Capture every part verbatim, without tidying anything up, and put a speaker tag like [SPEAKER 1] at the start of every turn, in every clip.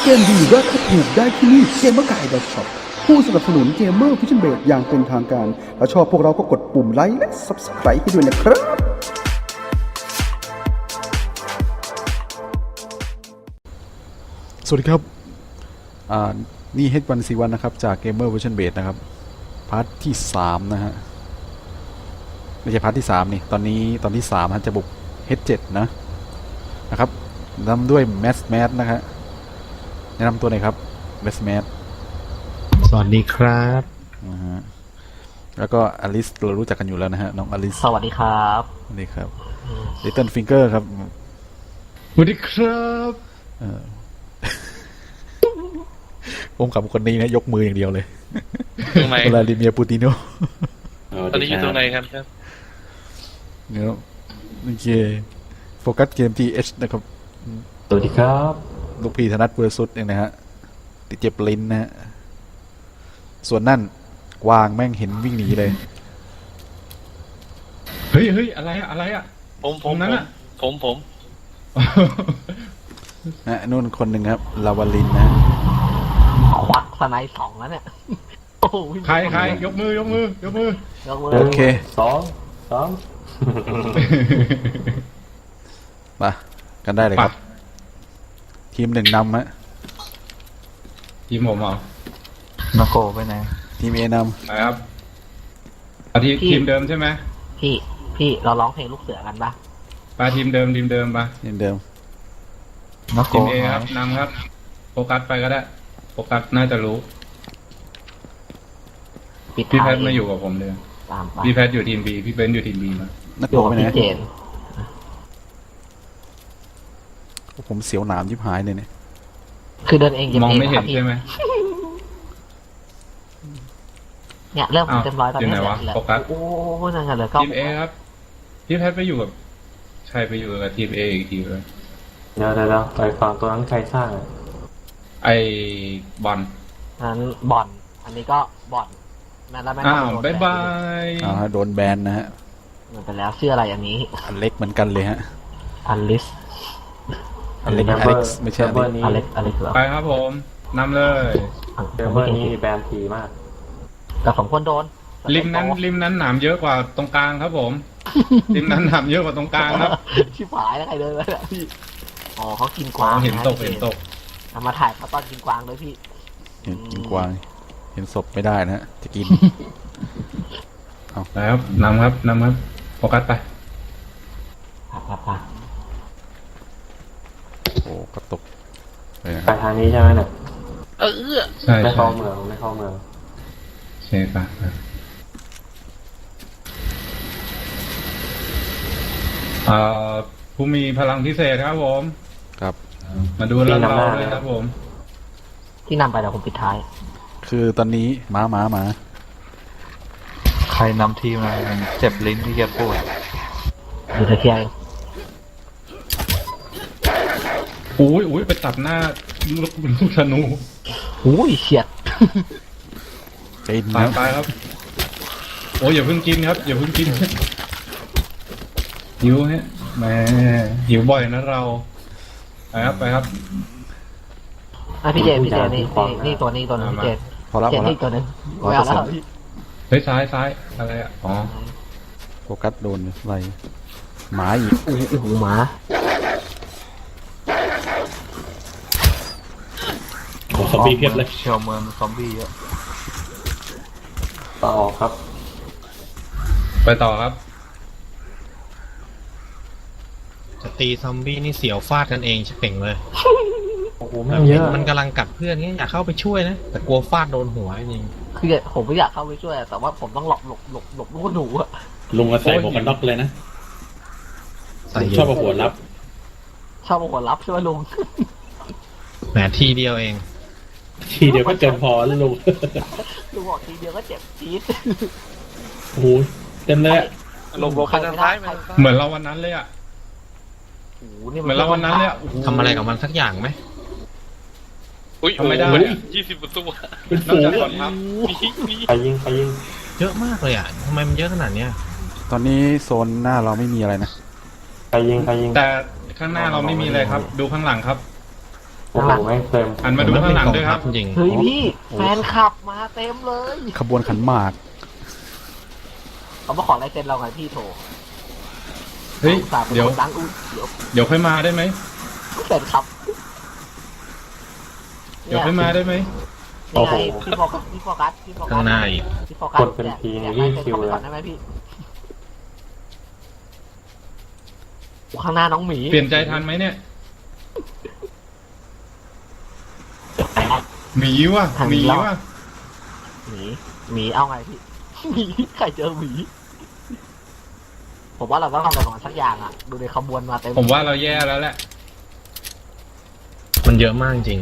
[SPEAKER 1] เกมดีราคาถูกได้ที่นี่เกมเมอร์ไก่ .shop ผู้สนับสนุนเกมเมอร์ฟิชเชนเบดอย่างเป็นทางการถ้าชอบพวกเราก็กดปุ่มไลค์และ ซับสไครบ์ ให้ด้วยนะครับ
[SPEAKER 2] สวัสดีครับอ่านี่ เอช วัน ซี วัน นะครับจาก Gamer Version Base นะครับพาร์ทที่สามนะฮะไม่ใช่พาร์ทที่สามนี่ตอนนี้ตอนที่สามฮะจะบุก เอช เซเว่น นะนะครับนำด้วยแมสแมสนะฮะแนะนำตัวหน่อยครับแมสแมส
[SPEAKER 3] สวัสดีครับ
[SPEAKER 2] นะฮะแล้วก็อลิสเรารู้จักกันอยู่แล้วนะฮะน้องอลิส
[SPEAKER 4] สวัสดีครับ
[SPEAKER 2] สวัสดีครับ Little Finger ครับ
[SPEAKER 3] สวัสดีครับ
[SPEAKER 2] เออผมกับคนนี้นะยกมืออย่างเดียวเลย
[SPEAKER 5] ตรงไหน
[SPEAKER 2] วลาดิเมียร์ปูติโน
[SPEAKER 5] ตอนนี้อยู่ตรงไหนครับครับ
[SPEAKER 2] เนาะโอเคโฟกัสเกม ที เอช นะครับ
[SPEAKER 4] สวัสดีครับ
[SPEAKER 2] ลูกพี่ธนัทเวอร์ซุดเองนะฮะติดเจ็บลิ้นนะฮะส่วนนั่นกวางแม่งเห็นวิ่งหนีเลย
[SPEAKER 3] เฮ้ยเฮ้ยอะไรอะอะไรอะ
[SPEAKER 5] ผมผม
[SPEAKER 3] นั้นอะ
[SPEAKER 5] ผมผม
[SPEAKER 2] นะนู่นคนหนึ่งครับลาวาลินนะ
[SPEAKER 4] ควักสไนด์สองแล้วเนี่ย
[SPEAKER 3] ใครใครยกมือยกมือยกมือย
[SPEAKER 4] กมือ
[SPEAKER 2] โอเค
[SPEAKER 4] สองสอง
[SPEAKER 2] มากันได้เลยครับทีมหนึ่งนำฮะ
[SPEAKER 3] ทีมผมเอา
[SPEAKER 4] มาโกไปไหน
[SPEAKER 2] ทีมเอนำ
[SPEAKER 3] ครับเอาทีทีมเดิมใช่ไหม
[SPEAKER 4] พี่พี่เราร้องเพลงลูกเสือกันปะ
[SPEAKER 3] ไปทีมเดิมทีมเดิมปะ
[SPEAKER 2] ทีมเดิม
[SPEAKER 4] มาโก
[SPEAKER 3] ทีมเอครับนำครับโฟกัสไปก็ได้โฟกัสน่าจะรู้พี่แพทมาอยู่กับผมเลยพี่แพทอยู่ทีมบีพี่เบนอยู่ทีมบีมา
[SPEAKER 2] นักโกไปไหนผมเสียวหนามยิบหายเลยเนี่ย
[SPEAKER 4] คือเดินเอง
[SPEAKER 3] มองไม่เห็นใช่ไหม
[SPEAKER 4] เนี่ยเริ่มเต็มร้อยตอนนี้
[SPEAKER 3] โฟกัส
[SPEAKER 4] โอ้ยนั่นไงเลย
[SPEAKER 3] ทีมเอครับพี่แพทไปอยู่กับใครไปอยู่กับทีมเออีกทีเลย
[SPEAKER 6] เดี๋ยวเดี๋ยวไปฟังตัวนั้นใครสร้าง
[SPEAKER 3] ไอ้บอล
[SPEAKER 4] นั้นบอลอันนี้ก็บอลนั่นแล้วแม่
[SPEAKER 3] อ้าวบายบาย
[SPEAKER 2] อ้าวโดนแบนนะฮะ
[SPEAKER 4] มันไปแล้วชื่ออะไรอันนี้
[SPEAKER 2] อันเล็กเหมือนกันเลยฮะ
[SPEAKER 4] อันลิส
[SPEAKER 2] อันเล็กอเล็กซ์ไม่ใช่อัน
[SPEAKER 4] เล็กอันเล็ก
[SPEAKER 3] ไปครับผมนำเลย
[SPEAKER 6] เซิร์ฟเวอร์นี้แบนทีมาก
[SPEAKER 4] แต่สองคนโดน
[SPEAKER 3] ริมนั้นริมนั้นหนามเยอะกว่าตรงกลางครับผมริมนั้นหนามเยอะกว่าตรงกลางครับ
[SPEAKER 4] ชิบหายแล้วใครเดินไปเนี่ยพี่อ๋อเขากินกวาง
[SPEAKER 3] เห็นตกเห็นตก
[SPEAKER 4] เอามาถ่ายเขาตอนกินกวางด้วยพี่
[SPEAKER 2] เห็นกินกวางเห็นศพไม่ได้นะฮะจะกิน
[SPEAKER 3] เอาแล้วนำครับนำครับโฟกัสไป
[SPEAKER 4] ครับไป
[SPEAKER 2] โอ้กระตก
[SPEAKER 6] ไปทางนี้ใช่ไหมเนี่ย
[SPEAKER 5] เออ
[SPEAKER 3] ใช่
[SPEAKER 6] ไม่เข้าเมืองไม่เข้าเมือง
[SPEAKER 3] ใช่ปะเอ่อผู้มีพลังพิเศษครับผม
[SPEAKER 2] ครับ
[SPEAKER 3] มาดูเรื่องเราเลยครับผม
[SPEAKER 4] ที่นำไปแล้วผมปิดท้าย
[SPEAKER 2] คือตอนนี้ม้าม้ามา
[SPEAKER 7] ใครนำทีมมาเจ็บลิ้นที่แกพูด
[SPEAKER 4] ดูตะเคียน
[SPEAKER 3] อุ้ยอุ้ยไปตัดหน้าลูกเป็นลูกธนู
[SPEAKER 4] อุ้ยเฉียด
[SPEAKER 2] ตาย
[SPEAKER 3] ตายครับโอ้ยอย่าเพิ่งกินครับอย่าเพิ่งกินหิวฮะแหมหิวบ่อยนะเราไปครับไปครับ
[SPEAKER 4] อ่ะพี่เจพี่เจนี่นี่ตัวนี้ตัวนึงพี่เจ
[SPEAKER 2] พอแล้วพอแล้ว
[SPEAKER 4] ตัวนึงไม่เอาแล้ว
[SPEAKER 3] เฮ้ยซ้ายซ้ายอะไรอ่ะอ๋อ
[SPEAKER 2] โฟกัสโดนอะไรหมาอีก
[SPEAKER 4] อู้หูหมา
[SPEAKER 7] ซอมบี้เพียบเลยเชียวเมืองซอมบี้เยอะ
[SPEAKER 6] ต่อครับ
[SPEAKER 3] ไปต่อครับ
[SPEAKER 7] จะตีซอมบี้นี่เสียวฟาดกันเองชิบเป่งเลย
[SPEAKER 6] โอ้โหไม่เยอะ
[SPEAKER 7] มันกำลังกัดเพื่อนนี่อยากเข้าไปช่วยนะแต่กลัวฟาดโดนหัวจริง
[SPEAKER 4] คือผมไม่อยากเข้าไปช่วยแต่ว่าผมต้องหลบหลบหลบหลบลูกหนูอะ
[SPEAKER 8] ลุงก็ใส่หมวกกันน็อกเลยนะชอบเอาหัวรับ
[SPEAKER 4] ชอบเอาหัวรับใช่ไหมลุง
[SPEAKER 7] แหมทีเดียวเอง
[SPEAKER 8] ทีเดียวก็เจ็บพอแล้วลุง
[SPEAKER 4] ลุงบอกทีเดียวก็เจ็บจี๊ด
[SPEAKER 8] โอ้โหเต็มเลย
[SPEAKER 5] ลงลงข้างท้าย
[SPEAKER 3] เหมือนเราวันนั้นเลยอ่ะเหมือนเราวันนั้นเลยอ่ะ
[SPEAKER 7] ทำอะไรกับมันสักอย่างไหม
[SPEAKER 5] อุ้ย
[SPEAKER 3] ทำไม่ได้
[SPEAKER 5] ยี่สิบตัว
[SPEAKER 8] เป็นฝูง
[SPEAKER 6] ไปยิงไปยิง
[SPEAKER 7] เยอะมากเลยอ่ะทำไมมันเยอะขนาดเนี้ย
[SPEAKER 2] ตอนนี้โซนหน้าเราไม่มีอะไรนะ
[SPEAKER 6] ไปยิงไปยิง
[SPEAKER 3] แต่ข้างหน้าเราไม่มีอะไรครับดูข้างหลังครับ
[SPEAKER 6] โอ้โหแม่งเต็ม
[SPEAKER 3] หันมาดูข้างหลังด้วยครับ
[SPEAKER 8] จริง
[SPEAKER 4] เฮ้ยพี่แฟนคลับมาเต็มเลย
[SPEAKER 2] ขบวนขันหมาก
[SPEAKER 4] เขามาขอลายเซ็นเราไงพี่โถ
[SPEAKER 3] เฮ้ย
[SPEAKER 4] สามคน
[SPEAKER 3] เดี๋ยว
[SPEAKER 4] ดังอุ้ยเดี๋ยว
[SPEAKER 3] เดี๋ยวค่อยมาได้ไหม
[SPEAKER 4] แฟนคลับ
[SPEAKER 3] เดี๋ยวค่อยมาได้ไหม
[SPEAKER 4] นี่ไงพี่โฟกัสพี่โฟกัสพี่โฟกัส
[SPEAKER 8] ข้างหน้าอีก
[SPEAKER 4] พี่โฟกัส
[SPEAKER 6] คนเป็นที
[SPEAKER 4] อยาก
[SPEAKER 6] นี่
[SPEAKER 4] ลายเซ็น
[SPEAKER 6] คิว
[SPEAKER 4] เข้าไป
[SPEAKER 6] เลย
[SPEAKER 4] ก่อนได้ไหมพี่โอ้ข้างหน้าน้องหมี
[SPEAKER 3] เปลี่ยนใจทันไหมเนี่ยหมีว่ะหมีว่ะ
[SPEAKER 4] หมีหมีเอาไงพี่หมีใครเจอหมีผมว่าเราต้องทำอะไรของมันสักอย่างอ่ะดูในขบวนมาเต็ม
[SPEAKER 3] ผมว่าเราแย่แล้วแหละ
[SPEAKER 8] มันเยอะมากจริง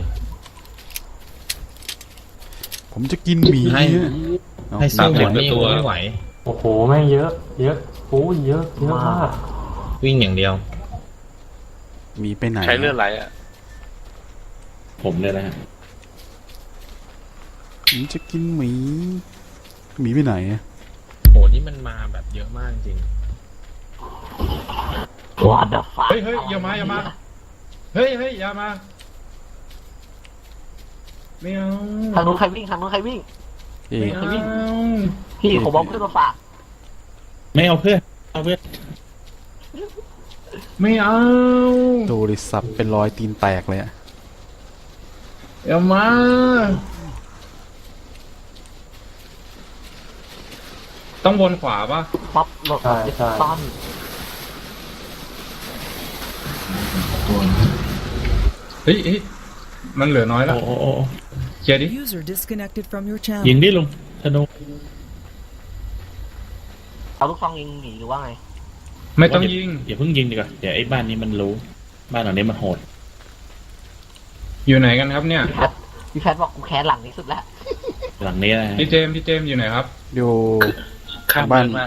[SPEAKER 2] ผมจะกินหมี
[SPEAKER 8] ให้
[SPEAKER 2] เอา
[SPEAKER 8] ให้สู้หมดนี่ตัวไม่ไหว
[SPEAKER 6] โอ้โหแม่งเยอะ เยอะโอ้ยเยอะเยอะมาก
[SPEAKER 8] วิ่งอย่างเดียว
[SPEAKER 2] หมีไปไหน
[SPEAKER 5] ใช้เลือดไหลอ่ะ
[SPEAKER 8] ผมเนี่ยนะฮะ
[SPEAKER 2] ผมจะกินหมีหมีไปไหนอะ
[SPEAKER 8] โหนี่มันมาแบบเยอะมากจริง
[SPEAKER 4] What the fuck
[SPEAKER 3] เฮ้ยเฮ้ยอย่ามาอย่ามา เฮ้ยเฮ้ยอย่ามาไม่เอา
[SPEAKER 4] ทางนู้นใครวิ่งทางนู้นใครวิ่ง
[SPEAKER 2] เอ๊ะ
[SPEAKER 3] ไม่เอา
[SPEAKER 4] พี่ผมเอาเพื่อนมาฝาก
[SPEAKER 8] ไม่เอาเพื่อนเอาเพื่อน
[SPEAKER 3] ไม่เอา
[SPEAKER 2] ดูดิสับเป็นรอยตีนแตกเลยอะ
[SPEAKER 3] อย่ามา ต้องวนขวาป่ะ
[SPEAKER 4] ป๊อปหลบ
[SPEAKER 6] ใช่ใช่
[SPEAKER 4] ซ่อน
[SPEAKER 3] เฮ้ยเฮ้ยมันเหลือน้อยแล้ว
[SPEAKER 8] โอ้โอ้โอ้
[SPEAKER 3] เคลียร์ดิ
[SPEAKER 9] User disconnected from your
[SPEAKER 8] ยิ
[SPEAKER 9] channel.
[SPEAKER 8] งดิลุงธนู
[SPEAKER 4] เอาลูกซองยิงหนีหรือว่าไง
[SPEAKER 3] ไม่ต้องยิง
[SPEAKER 8] อย่าเพิ่งยิงดีกว่าเดี๋ยวไอ้บ้านนี้มันรู้ บ้านหลังนี้มันโหด
[SPEAKER 3] อยู่ไหนกันครับเนี่ย
[SPEAKER 4] พี่แพทพี่แพทบอกกูแค้นหลังนี้สุดแล้ว
[SPEAKER 8] หลังนี้นะฮะ
[SPEAKER 3] พี่เจมส์พี่เจมส์อยู่ไหนครับ
[SPEAKER 2] อยู่
[SPEAKER 5] ข้าม
[SPEAKER 2] บ้าน
[SPEAKER 5] เดินมา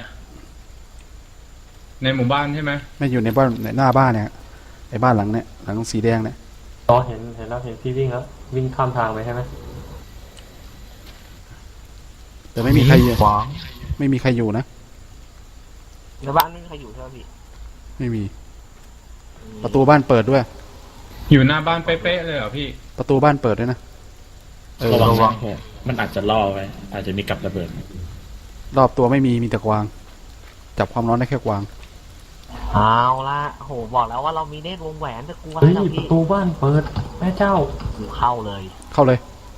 [SPEAKER 3] ในหมู่บ้านใช่ไหม
[SPEAKER 2] ไม่อยู่ในบ้านในหน้าบ้านเนี่ยไอ้บ้านหลังเนี่ยหลังสีแดงเนี่ย
[SPEAKER 6] อ๋อเห็นเห็นแล้วเห็นพี่วิ่งแล้ววิ่งข้ามทางไปใช่ไหม
[SPEAKER 2] แต่ไม่มีใครอยู่
[SPEAKER 7] ขวาง
[SPEAKER 2] ไม่มีใครอยู่นะ
[SPEAKER 4] ในบ้านไม่มีใครอยู่ใช่ไหมพี่
[SPEAKER 2] ไม่มี ประตูบ้านเปิดด้วย
[SPEAKER 3] อยู่หน้าบ้านเป๊ะๆเลยเหรอพี่
[SPEAKER 2] ประตูบ้านเปิดด้วยนะเออ
[SPEAKER 8] ระวังนะมันอาจจะล่อไว้ อาจจะมีกับระเบิด
[SPEAKER 2] รอบตัวไม่มีมีแต่กวาง จับความร้อนได้แค่กวาง
[SPEAKER 4] เอาละโหบอกแล้วว่าเรามีเนตรวงแหวนจะกลัวอะไร
[SPEAKER 6] เฮ้ย
[SPEAKER 4] เรา
[SPEAKER 6] ป
[SPEAKER 4] พี่
[SPEAKER 6] ระตูบ้านเปิดแม่เจ้า
[SPEAKER 4] อยู่เข้าเลย
[SPEAKER 2] เข้าเลย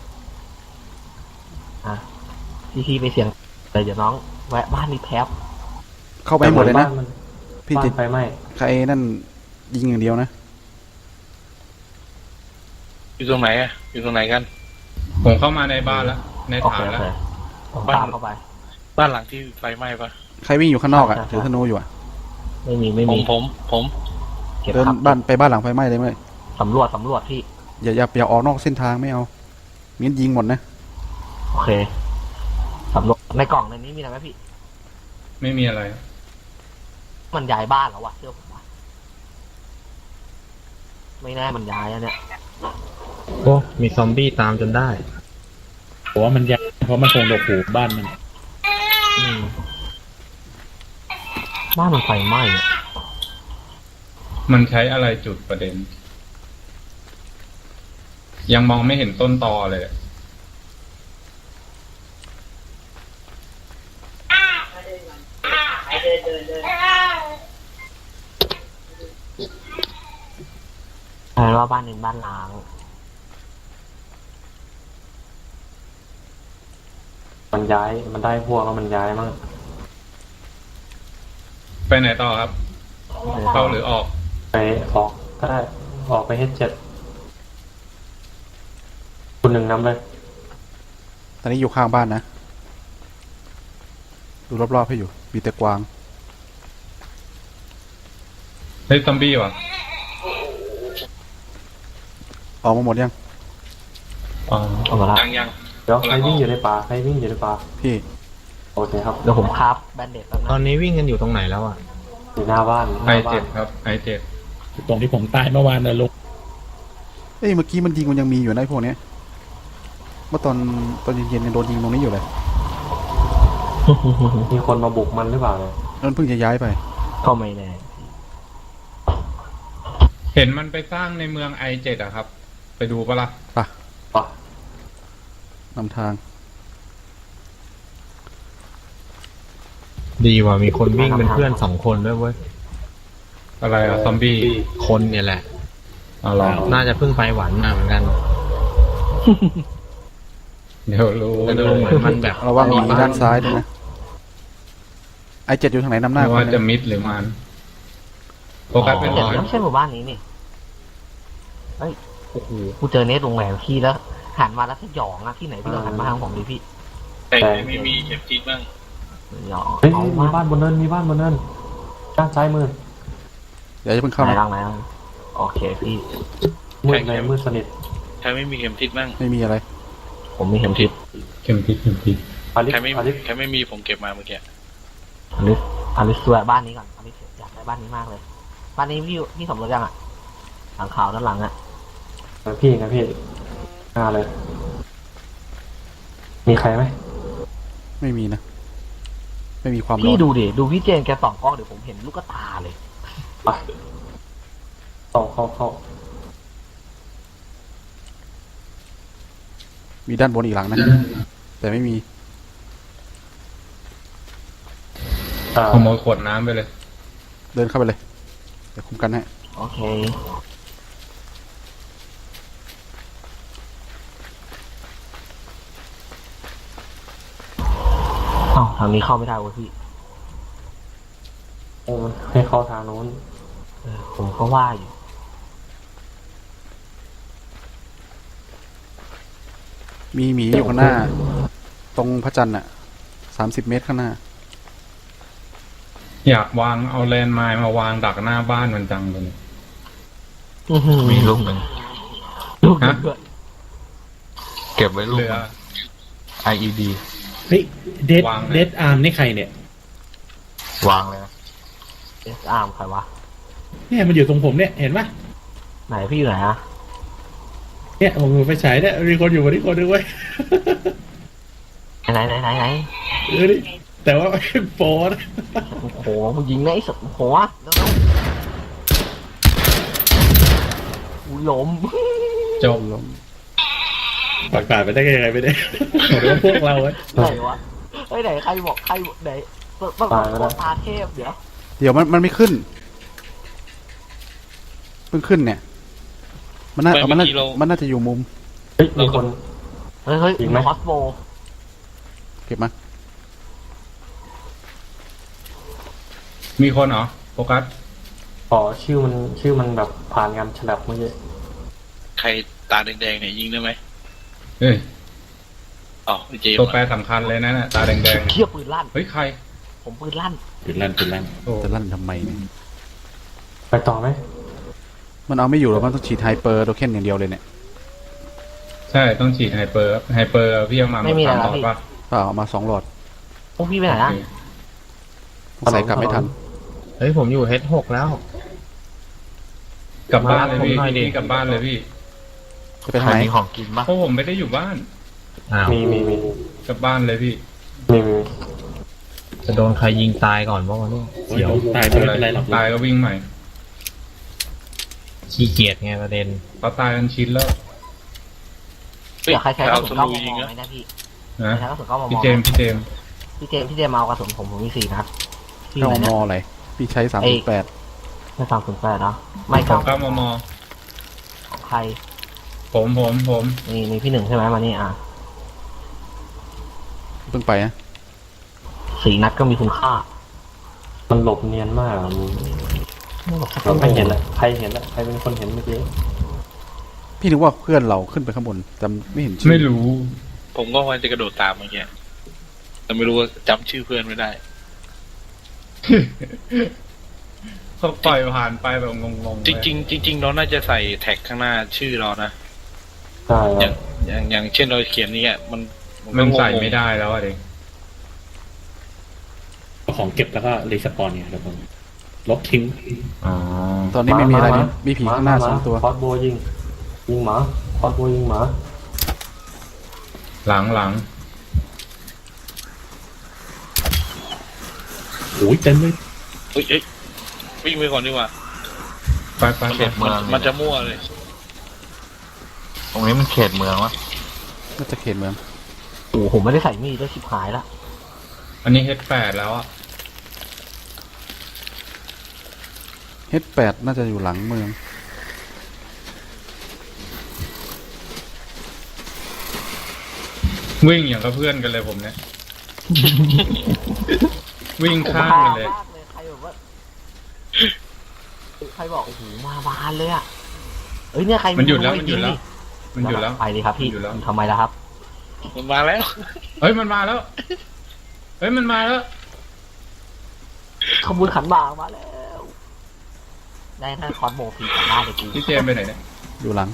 [SPEAKER 4] อ่ะพี่พี่ไปเสียงเลยเดี๋ยวน้องแวะบ้านนี้แป๊บ
[SPEAKER 2] เข้าไปให้หมดเลยนะ
[SPEAKER 6] บ้ามัน
[SPEAKER 2] พี่
[SPEAKER 6] บ้า
[SPEAKER 2] ติ
[SPEAKER 6] น
[SPEAKER 2] ด
[SPEAKER 6] ไฟไหม้
[SPEAKER 2] ใครนั่นยิงอย่างเดียวนะ
[SPEAKER 5] อยู่ตรงไหนอ่ะ อยู่ตรงไหนกัน
[SPEAKER 3] ผมเข้ามาในบ้านแล้ว ใน
[SPEAKER 4] โอ
[SPEAKER 3] ฐา
[SPEAKER 4] เคน โอ
[SPEAKER 3] แล้ว
[SPEAKER 4] เคผมตามเข้าไป
[SPEAKER 5] บ้านหลังที่ไฟไหม้ปะ
[SPEAKER 2] ใครวิ่งอยู่ข้างนอกอ่ะ
[SPEAKER 4] ใช่ใช่
[SPEAKER 2] ถือธนูอยู่อ่ะ
[SPEAKER 4] ไม่มีไม่
[SPEAKER 5] ผม
[SPEAKER 4] มี
[SPEAKER 5] ผมผม
[SPEAKER 4] เก็บ
[SPEAKER 2] เดิน
[SPEAKER 4] ครับ
[SPEAKER 2] บ้านไปบ้านหลังไฟไหม้เลยไหม
[SPEAKER 4] สำรวจสำรวจพี่
[SPEAKER 2] อย่าอย่าอย่าออกนอกเส้นทางไม่เอามิ้นยิงหมดนะ
[SPEAKER 4] โอเคสำรวจในกล่องในนี้มีอะไรไหมพี่
[SPEAKER 3] ไม่มีอะไร
[SPEAKER 4] มันย้ายบ้านแล้ววะเชื่อผมวะไม่แน่มันย้ายอะเนี่ย
[SPEAKER 8] โอ้ มีซอมบี้ตามจนได้ผมว่ามันยากเพราะมันคงดกหูบ้านมัน
[SPEAKER 4] อืมบ้านมันไฟไหม้อะ
[SPEAKER 3] มันใช้อะไรจุดประเด็น ยังมองไม่เห็นต้นตอเลย
[SPEAKER 4] แปลว่าบ้านหนึ่งบ้านล้าง
[SPEAKER 6] มันย้ายมันได้พวกแล้วมันย้ายมั่ง
[SPEAKER 3] ไปไหนต่อครับ เข้าหรือออก
[SPEAKER 6] ไปออกก็ได้ออกไปเฮดเจ็ดคุณหนึ่งนำเลย
[SPEAKER 2] ตอนนี้อยู่ข้างบ้านนะ ดูรอบๆให้อยู่ มีแต่กวาง
[SPEAKER 3] เฮ้ยซอมบี้ว่ะ
[SPEAKER 2] ออกมาหมดยัง
[SPEAKER 3] อ๋อ
[SPEAKER 4] เอามาละ
[SPEAKER 5] ยังยัง
[SPEAKER 6] เดี๋ยวใครวิ่งอยู่ในป่าใครวิ่งอยู่ในป่า
[SPEAKER 2] พี่
[SPEAKER 6] โอเคครับ
[SPEAKER 4] เดี๋ยวผมคราฟแบนเด็ดแล้ว
[SPEAKER 8] ตอ
[SPEAKER 4] นะ
[SPEAKER 8] นนี้วิ่งกันอยู่ตรงไหนแล้วอ่ะ
[SPEAKER 6] อยู่หน้าบ้านห
[SPEAKER 3] ไอ
[SPEAKER 6] น้าบ้า
[SPEAKER 3] เจ็
[SPEAKER 6] น
[SPEAKER 3] ดครับ ไอเจ็ด
[SPEAKER 8] ตรงที่ผมตายเมื่อวานนะลุง
[SPEAKER 2] เอ้ยเมื่อกี้มันยิงมันยังมีอยู่ในะไอ้พวกเนี้ยเมื่อตอนตอนเย็นๆยังโดนยิงตรงนี้อยู่เลย
[SPEAKER 6] มีคนมาบุกมันหรือเปล่าเนี่ย
[SPEAKER 2] นั่นเพิ่งจะย้ายไป
[SPEAKER 4] ก็ไม่แน่
[SPEAKER 3] เห็นมันไปสร้างในเมืองไอเจ็ดอะครับไปดูปะล่ะ
[SPEAKER 2] ไป
[SPEAKER 4] ปะ
[SPEAKER 2] นำทาง
[SPEAKER 8] ดีว่ะมีคนวิ่งเป็นเพื่อนสองคนด้วยเว้ย
[SPEAKER 3] อะไรอะซอมบี้
[SPEAKER 8] คนเนี่ยแหละ
[SPEAKER 3] อ๋อเหรอ
[SPEAKER 8] น่าจะเพิ่งไปหวานมาเหมือนกัน
[SPEAKER 3] เดี๋ยวรู้
[SPEAKER 8] แต่ดูเหมือนมันแบบ
[SPEAKER 2] ระวังมีด้านซ้ายด้วยนะ ไอเจ็ดอยู่ทางไหนนำหน้า
[SPEAKER 3] ไม่
[SPEAKER 2] ค
[SPEAKER 3] ว่าน จะ
[SPEAKER 2] หนึ่ง
[SPEAKER 3] มิดหรือมันโฟกัสเป็น
[SPEAKER 4] เดี๋ยว
[SPEAKER 3] หน่อย
[SPEAKER 4] ไม่ใช่หมู่บ้านนี้นี่เฮ้ยโอ้โหกูเจอเนสโรงแรมพี่แล้วหันมาแล้วสยองอะที่ไหนพี่เราหันมาทางผมดิพี่
[SPEAKER 5] แต่ไม่มีเข็มทิศบ้าง
[SPEAKER 4] สยอง
[SPEAKER 6] เฮ้ย
[SPEAKER 4] เอา
[SPEAKER 6] มี
[SPEAKER 4] มา
[SPEAKER 6] บ้านบนเนินมีบ้านบนเนินด้านซ้ายมือ
[SPEAKER 2] เดี๋ยวจะเพิ่งเข้า
[SPEAKER 4] ไหน
[SPEAKER 2] นะ
[SPEAKER 4] ล่างไหนล่างโอเคพี่
[SPEAKER 6] มืดเลยมืดสนิท
[SPEAKER 5] ใครไม่มีเข็มทิศบ้าง
[SPEAKER 2] ไม่มีอะไร
[SPEAKER 4] ผมมีเข็มทิศ
[SPEAKER 3] เข็มทิศเข็มทิศ
[SPEAKER 6] อลิส
[SPEAKER 5] ใครไม่
[SPEAKER 6] อลิส
[SPEAKER 5] ใครไม่มีผมเก็บมาเมื่อกี้
[SPEAKER 4] อลิสอลิสสวยบ้านนี้ก่อนอลิสอยากได้บ้านนี้มากเลย บ้านนี้พี่พี่สมรสยังอะหลังขาวด้านหลังอะ
[SPEAKER 6] เออพี่นะพี่หน้าเลย มีใครไหม
[SPEAKER 2] ไม่มีนะ ไม่มีความร้
[SPEAKER 4] พี่
[SPEAKER 2] อน
[SPEAKER 4] ดูดิดูพี่เจนแกส่องกล้องเดี๋ยวผมเห็นลูกตาเลย
[SPEAKER 6] ไปเข้าเข้าเข้า
[SPEAKER 2] มีด้านบนอีกหลังนะ แต่ไม่มี
[SPEAKER 6] อ่า
[SPEAKER 3] ขโมยขวดน้ำไปเลย
[SPEAKER 2] เดินเข้าไปเลย เดี๋ยวคุมกันให้
[SPEAKER 4] โอเคอ้าวทางนี้เข้าไม่ได้เว้ยพี่
[SPEAKER 6] โอ้มันให้เข้าทางโน้น
[SPEAKER 4] เออผมก็ว่าอยู่
[SPEAKER 2] มีหมีอยู่ข้างหน้า ตรงพระจันทร์อ่ะ สามสิบเมตรข้างหน้า
[SPEAKER 3] อยากวางเอาแลนด์ไมน์มาวางดักหน้าบ้านมันจังเลย
[SPEAKER 7] มีลูกหนึ่ง
[SPEAKER 4] ลูก
[SPEAKER 3] ฮะ
[SPEAKER 4] เดือด
[SPEAKER 7] เก็บไว้ลูก
[SPEAKER 3] เรือ
[SPEAKER 7] ไอ อี ดี
[SPEAKER 8] เฮ้ยเดด
[SPEAKER 3] วางเลย
[SPEAKER 8] เดดอาร์มนี่ใครเนี่ย
[SPEAKER 7] วางเลยนะ
[SPEAKER 4] เอสอาร์มใครวะ
[SPEAKER 8] เนี่ยมันอยู่ตรงผมเนี่ยเห็นปะ
[SPEAKER 4] ไหนพี่อยู่ไหนอะ
[SPEAKER 8] เนี่ยผมไปฉายเนี่ยมีคนอยู่บนนี้คนนึงเว้ย
[SPEAKER 4] ไหนไหนไหนไหน
[SPEAKER 8] เออนี่แต่ว่าเป็นโปรนะ
[SPEAKER 4] โอ้โหมึงยิงไงไอ้สัตว์โอ้โหแล้วแล้วอุ้ยล้ม
[SPEAKER 3] จบ
[SPEAKER 8] ปากปาดไปได้ยังไงไปได้หรือว่าพวกเราเว้ย
[SPEAKER 4] ไหนวะเฮ้ยไหนใครบอกใครบอกไหนต้องต้องต้องตาเทพเดี๋ยว
[SPEAKER 2] เดี๋ยวมันมันไม่ขึ้น เพิ่งขึ้นเนี่ย มันน่า
[SPEAKER 5] ไม่
[SPEAKER 2] มันน่า
[SPEAKER 5] เมื่อกี้เรา
[SPEAKER 2] มันน่าจะอยู่มุม
[SPEAKER 6] เฮ้ยมีคน
[SPEAKER 4] เฮ้ยเฮ้ย
[SPEAKER 6] ยิงไหม
[SPEAKER 4] คอสโบ
[SPEAKER 2] เก็บมา
[SPEAKER 3] มีคนเหรอโฟกัส
[SPEAKER 6] อ๋อชื่อมันชื่อมันแบบผ่านงานฉลับเมื่อกี้
[SPEAKER 5] ใครตาแดงๆเนี่ยยิงได้ไหม
[SPEAKER 3] เฮ้ย
[SPEAKER 5] อ๋อเจม
[SPEAKER 3] ตัว
[SPEAKER 5] ส์
[SPEAKER 3] แปรสำคัญเลยนะน่ะตาแดง
[SPEAKER 4] เชี่ยปืนลั่น
[SPEAKER 3] ๆเฮ้ยใคร
[SPEAKER 4] ผมปืนลั่น
[SPEAKER 8] ปืนลั่นปืนลั่น
[SPEAKER 3] โอ้
[SPEAKER 2] จะลั่นทำไมเนี่ย
[SPEAKER 6] ไปต่อไหม
[SPEAKER 2] มันเอาไม่อยู่หรอกมันต้องฉีดไฮเปอร์โทเค็นอย่างเดียวเลยเนี่ย
[SPEAKER 3] ใช่ต้องฉีดไฮเปอร์ไฮเปอร์พี่เอามา
[SPEAKER 4] ไม่มี
[SPEAKER 3] สาม
[SPEAKER 4] อะไร
[SPEAKER 3] หลอด
[SPEAKER 4] พี่
[SPEAKER 3] ป่ะ
[SPEAKER 2] เปล่าเอามาสองหลอด
[SPEAKER 4] พวกพี่ไปไหนอะ
[SPEAKER 3] โอเค
[SPEAKER 2] ใส่กลับไม่ทัน
[SPEAKER 8] เฮ้ยผมอยู่เฮดหกแล้ว
[SPEAKER 3] กลับบ้านเลยพี่
[SPEAKER 8] มารับผมหน่อยดิ
[SPEAKER 3] พี่กลับบ้านเลยพี่
[SPEAKER 2] จะไป
[SPEAKER 7] ใค
[SPEAKER 2] ทาง
[SPEAKER 7] ร
[SPEAKER 2] ไหน
[SPEAKER 7] มีของกินบ้าง
[SPEAKER 3] เพราะผมไม่ได้อยู่บ้าน
[SPEAKER 8] อ้าว
[SPEAKER 6] มีมีมี
[SPEAKER 3] กลับบ้านเลยพี่
[SPEAKER 6] มีมี
[SPEAKER 8] จะโดนใครยิงตายก่อนบ้างวะเนี่ยเสียวตายไม่เป็นไรหรอก
[SPEAKER 3] ตายก็วิ่งใหม่
[SPEAKER 8] ขี้เกียจไงประเด็น
[SPEAKER 3] เขาตายกันชินแล้ว
[SPEAKER 5] เฮ้ย
[SPEAKER 4] เดี๋ยวใครใช้ก
[SPEAKER 5] เอา
[SPEAKER 4] ระ
[SPEAKER 5] ส
[SPEAKER 4] สุนเก้า
[SPEAKER 5] ลู
[SPEAKER 4] ม
[SPEAKER 5] ยิง
[SPEAKER 4] ม
[SPEAKER 5] อะ
[SPEAKER 4] ไหมนะพี่
[SPEAKER 3] นะ
[SPEAKER 4] ใช้กระสุนเก้ามม
[SPEAKER 3] พี่เจมส์พี่เจมส์
[SPEAKER 4] พี่เจมส์พี่เจมส์เอากระสุนผมผมมีสี่นัดพี่
[SPEAKER 2] เข้า
[SPEAKER 4] ไหน
[SPEAKER 2] ม
[SPEAKER 4] เนี่ย
[SPEAKER 2] ออะไรพี่ใช้สามสิบแปด
[SPEAKER 4] ไม่สามศูนย์แปดเนาะไม่
[SPEAKER 3] ขอ
[SPEAKER 4] เก้าง
[SPEAKER 3] เก้ามม
[SPEAKER 4] ของใคร
[SPEAKER 3] ผมผมผม
[SPEAKER 4] นี่นี่พี่หนึ่งใช่ไหมมานี่อ่ะ
[SPEAKER 2] เพิ่งไปนะ
[SPEAKER 4] สี่นัดก็มีคุณค่า
[SPEAKER 6] มันหลบเนียนมากอะมันเราไม่เห็นอะใครเห็นอะใครเป็นคนเห็นเมื่อกี้
[SPEAKER 2] พี่นึกว่าเพื่อนเราขึ้นไปข้างบนแต่ไม่เห็นชื่อ
[SPEAKER 3] ไม่รู้
[SPEAKER 5] ผมก็ว่าจะกระโดดตามเมื่อกี้แต่ไม่รู้ว่าจำชื่อเพื่อนไม่ได้
[SPEAKER 3] เขาปล่อยผ่านไปแบบงงๆ
[SPEAKER 5] จริงๆจริงๆเราน่าจะใส่แท็กข้างหน้าชื่อเรานะ
[SPEAKER 6] ใช่
[SPEAKER 5] อ
[SPEAKER 6] ครั
[SPEAKER 5] ย่า
[SPEAKER 6] บ
[SPEAKER 5] งอย่างอย่างเช่นเราเขียนนี้อ่ะมัน
[SPEAKER 3] มัน
[SPEAKER 5] ก็งงๆ
[SPEAKER 3] ใส่ไม่ได้แล้วอะเด็ก
[SPEAKER 8] ของเก็บแล้วก็รีสปอนเนี่ยครับผมลบทิ้ง
[SPEAKER 3] อ๋อ
[SPEAKER 2] ตอนนี้ไม่มีอะไรนี่มีผีข้างหน้าสองตัว
[SPEAKER 6] คอสโบยิงยิงหมาคอสโบยิงหมา
[SPEAKER 3] หลังหลัง
[SPEAKER 8] โอ้ยเต็มเลย
[SPEAKER 5] เฮ้ยเอ้ยวิ่งไปก่อนดีกว่า
[SPEAKER 3] ไปไป
[SPEAKER 5] มัน
[SPEAKER 3] ไป
[SPEAKER 5] มันมันจะมั่วเลย
[SPEAKER 7] ตรงนี้มันเขตเมืองวะ
[SPEAKER 2] น่าจะเขตเมือง
[SPEAKER 4] โอ้โหผมไม่ได้ใส่มีดด้วยชิบหายละ
[SPEAKER 3] อันนี้เฮดแปดแล้วอ่ะ
[SPEAKER 2] เฮดแปดน่าจะอยู่หลังเมือง
[SPEAKER 3] วิ่งอย่างกับเพื่อนกันเลยผมเนี่ย วิ่งข้ามกันเลย
[SPEAKER 4] มากเลยใครแบบว่าใครบอกโอ้โหมาบานเลยอ่ะเอ้ยเนี่ยใคร
[SPEAKER 3] มันหยุดแล้ว
[SPEAKER 4] ไ
[SPEAKER 3] มันหยุดแล้ว มันหยุดแล้ว
[SPEAKER 4] ไปดิครับพี่
[SPEAKER 3] มันหยุดแล้ว
[SPEAKER 4] ทำไมล่ะครับ
[SPEAKER 5] มันมาแล้ว
[SPEAKER 3] เฮ้ยมันมาแล้ว เฮ้ยมันมาแล้ว
[SPEAKER 4] ขบวนขันหมากมาแล้ว ได้ถ้าคอนโมฟรีกลับบ้านเลยกู
[SPEAKER 3] พี่เจมส์ไปไหนเนี่ย
[SPEAKER 2] อยู่หลัง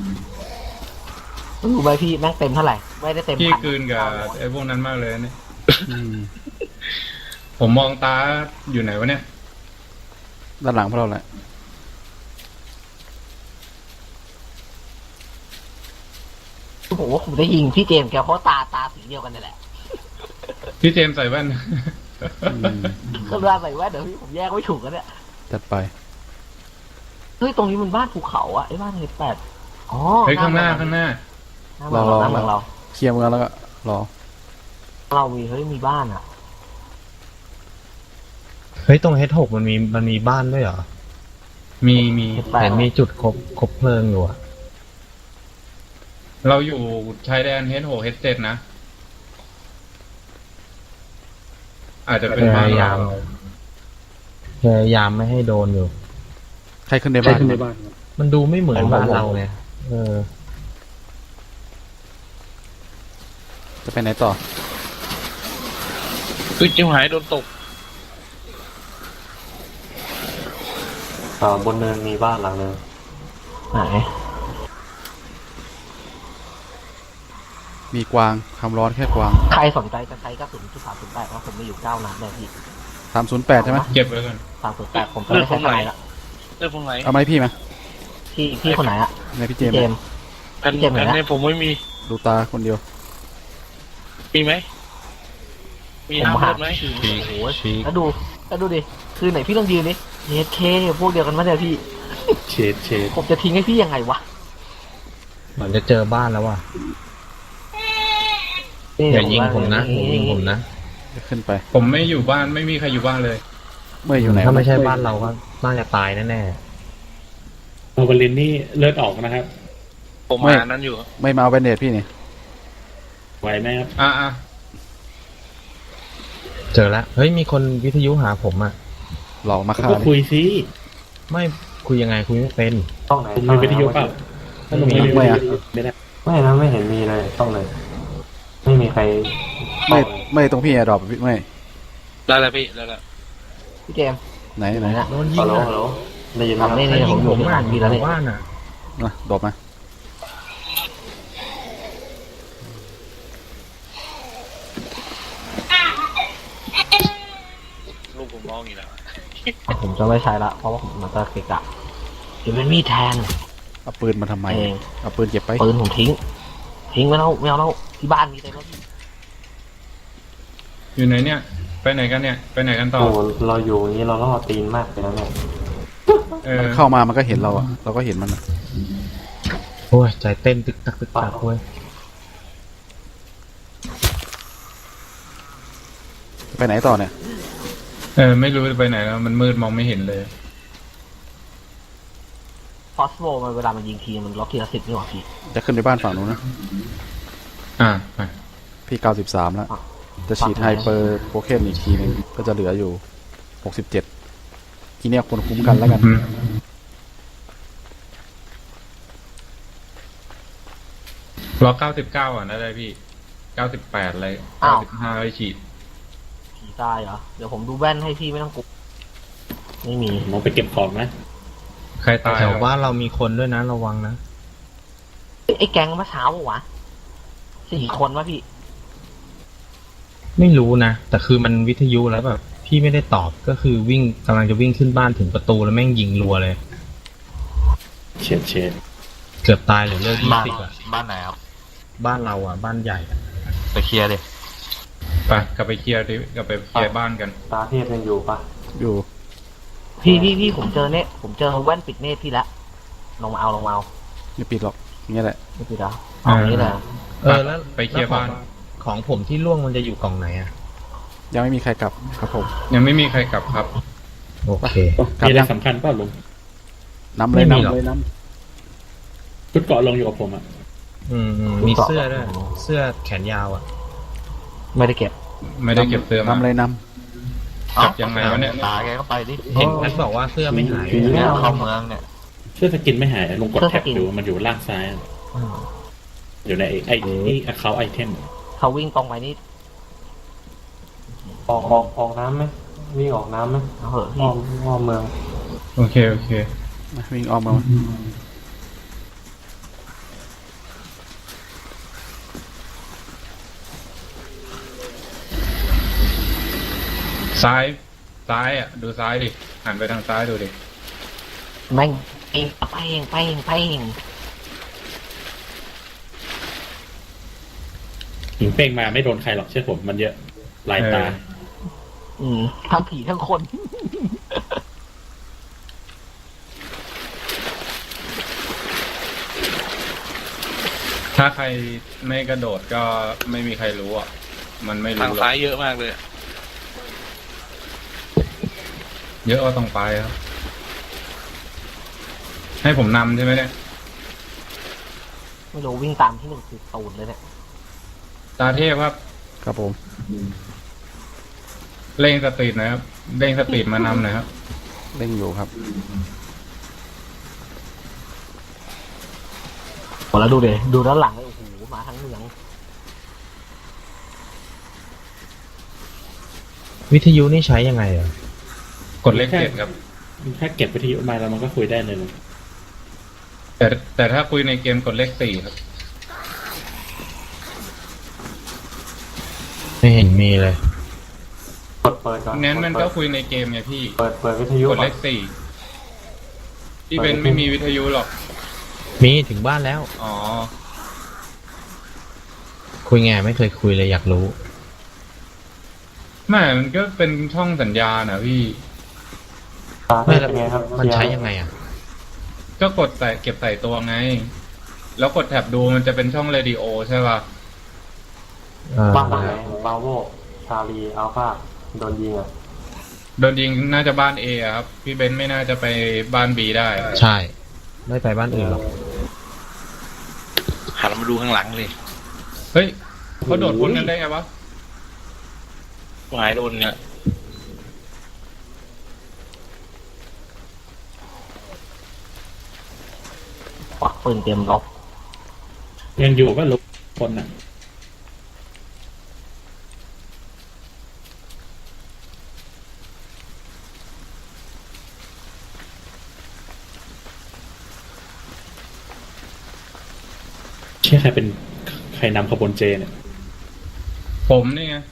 [SPEAKER 4] รู้ไหมพี่แม่งเต็มเท่าไหร่ไม่ได้เต็ม
[SPEAKER 3] พี่
[SPEAKER 4] พัน
[SPEAKER 3] กลืนกับไอ้พวกนั้นมากเลยเนี่ย
[SPEAKER 2] อืม
[SPEAKER 3] ผมมองตาอยู่ไหนวะเนี่ย
[SPEAKER 2] ด้านหลังพวกเราแหละ
[SPEAKER 4] ผมว่าผมได้ยิงพี่เจมส์แกเพราะตาตาสีเดียวกันนี่แหละ
[SPEAKER 3] พี่เจมส์ใส่แว่น
[SPEAKER 2] อืม
[SPEAKER 4] ก็ได้ใส่แว่นเดี๋ยวพี่ผมแยกไม่ถูกกันเนี่ย
[SPEAKER 2] จัดไป
[SPEAKER 4] เฮ้ยตรงนี้มันบ้านภูเขาอะไอ้บ้านเฮดแปดอ๋อ
[SPEAKER 3] เฮ้ยข้างหน้าข้างหน้า
[SPEAKER 4] หน้าเมืองเราหน้าเมืองเรา
[SPEAKER 2] เคลียร์เมืองแล้วก็รอ
[SPEAKER 4] เรามีเฮ้ยมีบ้านอะ
[SPEAKER 8] เฮ้ยตรงเฮดหกมันมีมันมีบ้านด้วยเหรอ
[SPEAKER 3] มีมี
[SPEAKER 4] เฮดแปด
[SPEAKER 8] เห็นมีจุดครบครบเพลิงอยู่อะ
[SPEAKER 3] เราอยู่ชายแดนเฮดโหเฮดเจ็ดนะ อาจจะเป็นบ้านเรา
[SPEAKER 8] พยายามไม่ให้โดนอยู่
[SPEAKER 2] ใครขึ้นในบ้าน
[SPEAKER 8] มันดูไม่เหมือนบ้านเราไงเออ
[SPEAKER 2] จะไปไหนต่อ
[SPEAKER 5] คือจิ้มหายโดนตก
[SPEAKER 6] อ่าบนเนินมีบ้านหลังนึง
[SPEAKER 4] ไหน
[SPEAKER 2] มีกวางคำร้อนแค่กวาง
[SPEAKER 4] ใครสนใจจะใช้กระสุนจุดสามศูนย์แปดเพราะผมมีอยู่เก้านัดเลยพี่
[SPEAKER 2] สามศูนย์แปดใช่ไหม
[SPEAKER 3] เก็บไว้ก่อน
[SPEAKER 4] สามศูนย์แปดผมจะไม่ใช้ทนายละ
[SPEAKER 5] เรื่องพวกไหน
[SPEAKER 2] เอาไหมาให้พี่มา
[SPEAKER 4] พี่พี่คนไหนอะ
[SPEAKER 2] ในพี่เจ
[SPEAKER 4] พี่
[SPEAKER 2] มส์
[SPEAKER 4] เจมส์
[SPEAKER 5] แผ่น
[SPEAKER 4] เจ็บไหม
[SPEAKER 5] แผ่น
[SPEAKER 4] นะ
[SPEAKER 5] ในผมไม่มี
[SPEAKER 2] ดูตาคนเดียว
[SPEAKER 5] มีไหม มี
[SPEAKER 4] ผม
[SPEAKER 5] ห้าม
[SPEAKER 4] หา
[SPEAKER 5] เลือดไหม
[SPEAKER 4] โอ้โหแล้วดูแล้วดูดิคือไหนพี่ต้องยืนนี่เฮดเคพวกเดียวกันไหมเนี่ยพี่
[SPEAKER 6] เชดเชด
[SPEAKER 4] ผมจะทิ้งให้พี่ยังไงวะ
[SPEAKER 8] เหมือนจะเจอบ้านแล้วว่ะอย่ายิงผมนะอย่ายิงผมนะ
[SPEAKER 2] ขึ้นไป
[SPEAKER 3] ผมไม่อยู่บ้านไม่มีใครอยู่บ้านเลย
[SPEAKER 2] เมื่ออยู่ไหน
[SPEAKER 8] ถ้าไม่
[SPEAKER 2] วะ
[SPEAKER 8] ใช่บ้านเราก็น่าจะตายแน่
[SPEAKER 6] โอเบลินนี่เลือดออกนะครับ
[SPEAKER 5] ผมหานั้นอยู่
[SPEAKER 2] ไม่มาเอาแบนเดตพี่นี่
[SPEAKER 6] ไหวไหมครับ
[SPEAKER 3] อ่ะอ่ะ
[SPEAKER 8] ๆเจอแล้วเฮ้ยมีคนวิทยุหาผมอ่ะ
[SPEAKER 2] หลอกมาฆ่า
[SPEAKER 6] ก็
[SPEAKER 2] ดิ
[SPEAKER 6] คุยซิ
[SPEAKER 8] ไม่คุยยังไงคุยไม่เป็น
[SPEAKER 6] ต้องไหนมีวิทยุเปล่าถ้าลงไม่มีวิทยุไม่ได้
[SPEAKER 9] ไม่นะไม่เห็นมีเลยต้องเลย ไม่มีใคร
[SPEAKER 2] ไม่ไม่ตรงพี่แอร์ดรอปไม่
[SPEAKER 5] ได้แล้วพี่ได้แล้ว
[SPEAKER 4] พี่เจมส์
[SPEAKER 2] ไหน
[SPEAKER 4] อยู่
[SPEAKER 2] ไห
[SPEAKER 4] ไห
[SPEAKER 2] น
[SPEAKER 4] นน่ะ
[SPEAKER 8] โดนยิ
[SPEAKER 9] ฮั
[SPEAKER 8] ง
[SPEAKER 9] ลโหล
[SPEAKER 8] อ่ะ
[SPEAKER 9] ฮัลโหลได้ยินไหมครับ
[SPEAKER 4] นี่
[SPEAKER 8] ใคร
[SPEAKER 4] นี่
[SPEAKER 8] ยิ
[SPEAKER 4] ผม
[SPEAKER 8] ง
[SPEAKER 4] อยู่
[SPEAKER 8] ผม
[SPEAKER 4] ที่
[SPEAKER 8] อ่ะ
[SPEAKER 4] บ้านพี่แล้ว
[SPEAKER 8] ห
[SPEAKER 4] นี่
[SPEAKER 8] มู่บ้านอ่ะ
[SPEAKER 2] นะดรอปมา
[SPEAKER 5] ลูกผมร้องอยู่แล้ว
[SPEAKER 4] ผมจะไม่ใช้ละเพราะว่าผมมันจะเกะกะเดี๋ยวมันมีดแทน
[SPEAKER 2] เอาปืนมาทำไม
[SPEAKER 4] เอง
[SPEAKER 2] เอาปืนเก็บไป
[SPEAKER 4] ปืนผมทิ้ง ทิ้งไว้แล้วไม่เอาแล้วที่บ้านมีเต็มแล้วพี่
[SPEAKER 3] อยู่ไหนเนี่ย ไปไหนกันเนี่ย ไปไหนกันต่อ
[SPEAKER 9] โอ้โหเราอยู่อย่างนี้เราล่อตีนมากเลยนะเนี่ย
[SPEAKER 3] เออ
[SPEAKER 2] มันเข้ามามันก็เห็นเราอะเราก็เห็นมันอะ
[SPEAKER 8] โอ้ยใจเต้นตึกตักตึกตักเว้ย
[SPEAKER 2] ไปไหนต่อเนี่ย
[SPEAKER 3] เออไม่รู้จะไปไหนแล้วมันมืดมองไม่เห็นเลย
[SPEAKER 4] ฟอสโฟมันเวลามันยิงทีมันล็อกทีละสิบนี่หว่าพี่
[SPEAKER 2] จะขึ้นไปบ้านฝั่งนู้นนะ
[SPEAKER 3] อ่าไป
[SPEAKER 2] พี่เก้าสิบสามแล้ว จะฉีดไฮเปอร์โปเคนอีกทีหนึงก็จะเหลืออยู่หกสิบเจ็ดทีเนี้ยคนคุ้มกันแล้วกัน
[SPEAKER 3] อืมรอเก้าสิบเก้าอ่ะนะได้พี่เก้าสิบแปดเลยเก้าสิบห้าไปฉีด
[SPEAKER 4] ผีตายเหรอ เดี๋ยวผมดูแว่นให้พี่ไม่ต้องกลัวไม่มี
[SPEAKER 6] ผมไปเก็บของนะ
[SPEAKER 3] ใครตาย
[SPEAKER 8] แถวบ้านเรามีคนด้วยนะระวังนะ
[SPEAKER 4] เอ้ยไอ้แก๊งเมื่อเช้าปะวะสี่คนวะพี่
[SPEAKER 8] ไม่รู้นะ แต่คือมันวิทยุแล้วแบบพี่ไม่ได้ตอบก็คือวิ่งกำลังจะวิ่งขึ้นบ้านถึงประตูแล้วแม่งยิงรัวเลย
[SPEAKER 6] เชดเชด
[SPEAKER 8] เกือบตายเหลือเลือดยี่
[SPEAKER 7] บ้าน
[SPEAKER 8] สิบอ่ะ
[SPEAKER 7] บ้านไหนครับ
[SPEAKER 8] บ้านเราอ่ะ บ้านใหญ่อะ
[SPEAKER 7] ไปเคลียร์ดิ
[SPEAKER 3] ไปกลับไปเคลียร์ดิกลับไปเคลียร์บ้านกัน
[SPEAKER 9] ตาเทพยังอยู่ปะ
[SPEAKER 2] อยู่
[SPEAKER 4] พี่พี่พี่ผมเจอเน็ตผมเจอแว่นปิดเนตพี่ละลงมาเอาลงมาเอา
[SPEAKER 2] ไม่ปิดหรอกเงี้ยแหละ
[SPEAKER 4] ไม่ติดแล้วเอาอย่างนี้แหละ
[SPEAKER 8] เออแล้ว
[SPEAKER 3] ไปเคลียร์บ้าน
[SPEAKER 8] แล้วของของผมที่ล่วงมันจะอยู่กล่องไหนอ่ะ
[SPEAKER 2] ยังไม่มีใครกลับครับผม
[SPEAKER 3] ยังไม่มีใครกลับครับ
[SPEAKER 8] โอเค
[SPEAKER 2] กลับ
[SPEAKER 6] มีอะไร
[SPEAKER 2] ยัง
[SPEAKER 6] สำคัญเปล่าลุง
[SPEAKER 2] นำเลย
[SPEAKER 8] ไม่มีหรอก
[SPEAKER 2] นำเลยน
[SPEAKER 6] ชุดเกาะลงอยู่กับผมอ่ะ
[SPEAKER 8] อืมอืมมีเสื้อด้วยเสื้อแขนยาวอ่ะ
[SPEAKER 4] ไม่ได้เก็บ
[SPEAKER 3] ไม่ได้เก็บเสื้อ
[SPEAKER 2] ำ
[SPEAKER 3] มาน
[SPEAKER 2] ำเลยน
[SPEAKER 3] กลับยังไงวะเนี่ย
[SPEAKER 4] ตายแกก็ไปดิ
[SPEAKER 8] เห็นแพทบอกว่าเสื้อไม่หาย
[SPEAKER 9] ผี
[SPEAKER 4] เนี่ย
[SPEAKER 9] เอา
[SPEAKER 4] เข้าเมืองเนี่ย
[SPEAKER 6] เสื้อสกินไม่หายลุงกด
[SPEAKER 4] เสื้อส
[SPEAKER 6] แท็บ
[SPEAKER 4] กิน
[SPEAKER 6] ดูมันอยู่ล่างซ้ายอะ
[SPEAKER 4] อืม
[SPEAKER 6] อยู่ในไอ้ไอ้ไอ้เขาไอเทม
[SPEAKER 4] เขาวิ่งตรงไปนี่
[SPEAKER 9] ออกออกออกน้ำไหมวิ่งออกน้ำไหม
[SPEAKER 4] เอาเหอะ
[SPEAKER 9] อ้อมอ้อมเมือง
[SPEAKER 3] โอเคโอเค
[SPEAKER 2] ำมาวิ่งออกมา
[SPEAKER 3] ซ้ายซ้ายอ่ะดูซ้ายดิหันไปทางซ้ายดูดิ
[SPEAKER 4] แม่งเองไปเองไปเองไปเอง
[SPEAKER 6] หิงเป้งมาไม่โดนใครหรอกเชื่อผมมันเยอะลายตา
[SPEAKER 4] อืมทั้งผีทั้งคน
[SPEAKER 3] ถ้าใครไม่กระโดดก็ไม่มีใครรู้อ่ะมันไม่
[SPEAKER 5] ทาง
[SPEAKER 3] รู้หรอก
[SPEAKER 5] ซ้ายเยอะมากเลย
[SPEAKER 3] เยอะก็ต้องไปครับให้ผมนำใช่ไหมเนี่ย
[SPEAKER 4] ไม่รู้วิ่งตามที่หนึ่งคือตูนเลยเนี่ย
[SPEAKER 3] ตาเทพครับ
[SPEAKER 2] ครับผม
[SPEAKER 3] เร่งสปีดหนะครับเร่งสปีดมานำหน่อยครับ
[SPEAKER 2] เร่งอยู่ครับ
[SPEAKER 4] โอ้แล้วดูเดี๋ยวดูด้านหลังเลยโอ้โหมาทั้งเมือง
[SPEAKER 8] วิทยุนี่ใช้ยังไงอ่ะ
[SPEAKER 3] กดเลขเจ็ดครับ
[SPEAKER 6] ถ้าเก็บวิทยุมาแล้วมันก็คุยได้เลยลุง
[SPEAKER 3] แต่แต่ถ้าคุยในเกมกดเลขสี่ครับ
[SPEAKER 8] ไม่เห็นมีเลย
[SPEAKER 9] เปิดเปิดก่อน
[SPEAKER 3] งั้นมันก็
[SPEAKER 9] เปิด
[SPEAKER 3] คุยในเกมไงพี่
[SPEAKER 9] เปิดเปิดวิทยุ
[SPEAKER 3] กด
[SPEAKER 9] ก่อ
[SPEAKER 3] เล
[SPEAKER 9] น
[SPEAKER 3] ขสี่พี่เบนไม่มีวิทยุหรอก
[SPEAKER 8] มีถึงบ้านแล้ว
[SPEAKER 3] อ๋อ
[SPEAKER 8] คุยไงไม่เคยคุยเลยอยากรู้
[SPEAKER 3] ไม่มันก็เป็นช่องสัญญาณนะพี่
[SPEAKER 9] ตา
[SPEAKER 8] ไม่
[SPEAKER 9] เป็นไงครับ
[SPEAKER 8] มันใช้
[SPEAKER 9] เสี
[SPEAKER 8] ยังไงอ่ะ
[SPEAKER 3] ก็กดใส่เก็บใส่ตัวไง แล้วกดแท็บดูมันจะเป็นช่องเรดิโอใช่ป่ะ
[SPEAKER 8] เออ
[SPEAKER 9] บ้านหลังไหนบาโวชาลีอัลฟาโดนยิงอ่ะ
[SPEAKER 3] โดนยิงน่าจะบ้านเอครับ พี่เบนไม่น่าจะไปบ้านบีได้
[SPEAKER 8] ใช่ ไม่ไปบ้านอื่นหรอก
[SPEAKER 5] หันมาดูข้างหลังเลย
[SPEAKER 3] เฮ้ยเขาโดดพ้นกันได้ไงวะ
[SPEAKER 5] หายโดนเนี่ย
[SPEAKER 4] ควักปืนเตรียมรบ
[SPEAKER 6] ยังอยู่ก็ลุกคนอ่ะเชื่อใครเป็นใครนำขบวนเจเนี่ย
[SPEAKER 3] ผมนี่ไง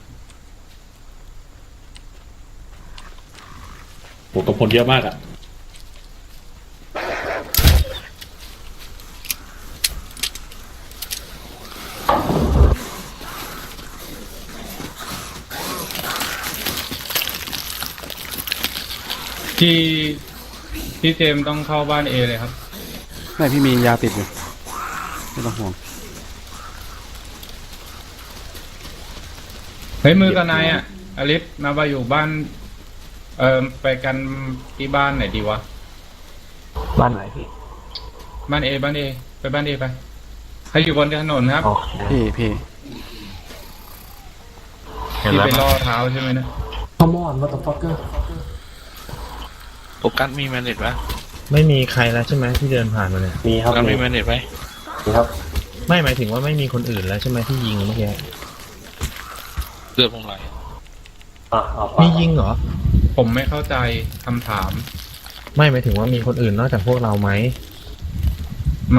[SPEAKER 6] โหกำพลเยอะมากอ่ะ
[SPEAKER 3] ที่ที่เจมส์ต้องเข้าบ้านเอเลยครับ
[SPEAKER 2] ไม่พี่มียาติดอยู่ไม่ต้องห่วง
[SPEAKER 3] เฮ้ยมือกับนายอ่ะอลิสมาไปอยู่บ้าน เอ่อไปกันที่บ้านไหนดีวะ
[SPEAKER 4] บ้านไหนพี่
[SPEAKER 3] บ้านเอบ้านเอไปบ้านเอไปใครอยู่บนถนนครับ
[SPEAKER 4] โอเค
[SPEAKER 2] พี่พี่
[SPEAKER 3] ที่ไปล่อเท้าใช่ไหมนะ
[SPEAKER 9] คอมอนมาตฟักเกอร์
[SPEAKER 5] โฟกัสมีแมนเน็ตปะ
[SPEAKER 8] ไม่มีใครแล้วใช่ไหมที่เดินผ่านมาเนี่ย
[SPEAKER 9] มีครับ
[SPEAKER 5] แล้ว
[SPEAKER 9] มี
[SPEAKER 5] มีแมนเน็ตไหม
[SPEAKER 9] มีครับ
[SPEAKER 8] ไม่หมายถึงว่าไม่มีคนอื่นแล้วใช่ไหมที่ยิงเมื่อกี้
[SPEAKER 5] เลือดผมไหล
[SPEAKER 9] อ่ะเอาไป
[SPEAKER 8] มียิงเหรอ
[SPEAKER 3] ผมไม่เข้าใจคำถาม
[SPEAKER 8] ไม่หมายถึงว่ามีคนอื่นนอกจากพวกเราไหม
[SPEAKER 3] ไม่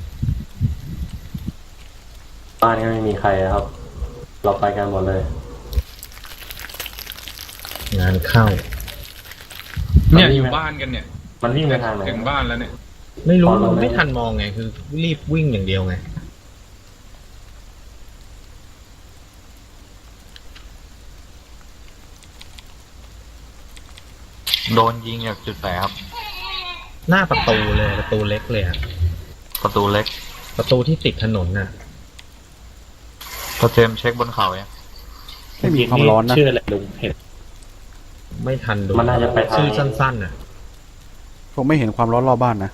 [SPEAKER 9] บ้านนี้ไม่มีใครนะครับ เราไปกันหมดเลย
[SPEAKER 8] งานเข้า
[SPEAKER 3] เนี่ยอยู่บ้านกันเนี่ย
[SPEAKER 9] มันวิ่งไปทางไหน
[SPEAKER 3] ถึงบ้านแล้วเนี่ย
[SPEAKER 8] ไม่รู้
[SPEAKER 9] อ๋อเราไม่
[SPEAKER 8] ไม่ทันมองไงคือรีบวิ่งอย่างเดียวไง
[SPEAKER 7] โดนยิงจากจุดไหนครับ
[SPEAKER 8] หน้าประตูเลยประตูเล็กเลยอะ
[SPEAKER 7] ประตูเล็ก
[SPEAKER 8] ประตูที่ติดถนนน่ะ
[SPEAKER 7] ก็เจมส์เช็คบนเขาเนี่ย
[SPEAKER 2] ไม่มีความร้อนนะ
[SPEAKER 9] ชื่ออะไรลุงเห็น
[SPEAKER 8] ไม่ทันดู
[SPEAKER 9] มันน่าจะไปทาง
[SPEAKER 8] ชื่อสั้นๆน่ะ
[SPEAKER 2] ผมไม่เห็นความร้อนรอบบ้านนะ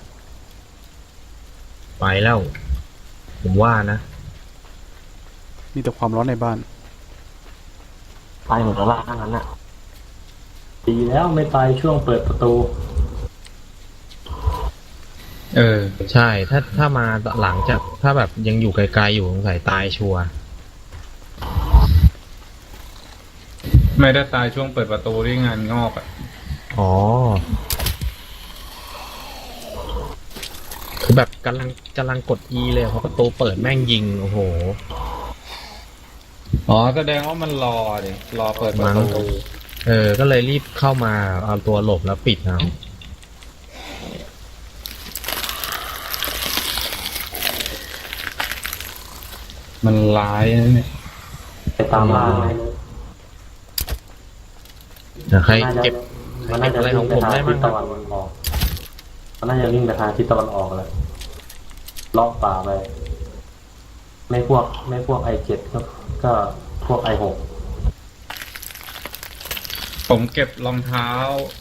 [SPEAKER 8] ไปแล้ว ผมว่านะ
[SPEAKER 2] มีแต่ความร้อนในบ้าน
[SPEAKER 4] ไปหมดแล้วล่ะทั้งนั้นอ่ะ
[SPEAKER 9] ดีแล้วไม่ไปช่วงเปิดประตู
[SPEAKER 8] เออ ใช่ ถ้าถ้ามาหลังจากถ้าแบบยังอยู่ไกลๆอยู่สงสัยตายชัวร์
[SPEAKER 3] ไม่ได้ตายช่วงเปิดประตูที่งานงอกอ่ะ
[SPEAKER 8] อ๋อ คือแบบกำลังกำลังกด E เลยเพราะประตูเปิดแม่งยิง โอ้โห
[SPEAKER 3] อ๋อแสดงว่ามันรอดิรอเปิดประตู
[SPEAKER 8] เออ ก็เลยรีบเข้ามาเอาตัวหลบแล้วปิดเอา
[SPEAKER 3] มันร้ายนะเนี่ย
[SPEAKER 9] ไปตามล่าไหม
[SPEAKER 8] เดี๋ยวใคร
[SPEAKER 9] มันน่าจะ
[SPEAKER 8] เก็บ
[SPEAKER 9] มันน่าจะ
[SPEAKER 8] อะไรของผมได้
[SPEAKER 9] วิ่งไป
[SPEAKER 8] บ้าง
[SPEAKER 9] ทาง
[SPEAKER 8] ครั
[SPEAKER 9] ทิศ
[SPEAKER 8] บ
[SPEAKER 9] ตะวันออกมันน่าจะวิ่งไปทางทิศตะวันออกเลยเลาะป่าไป ไม่พวก ไม่พวกไอเจ็ดก็ก็พวกไอหก
[SPEAKER 3] ผมเก็บรองเท้า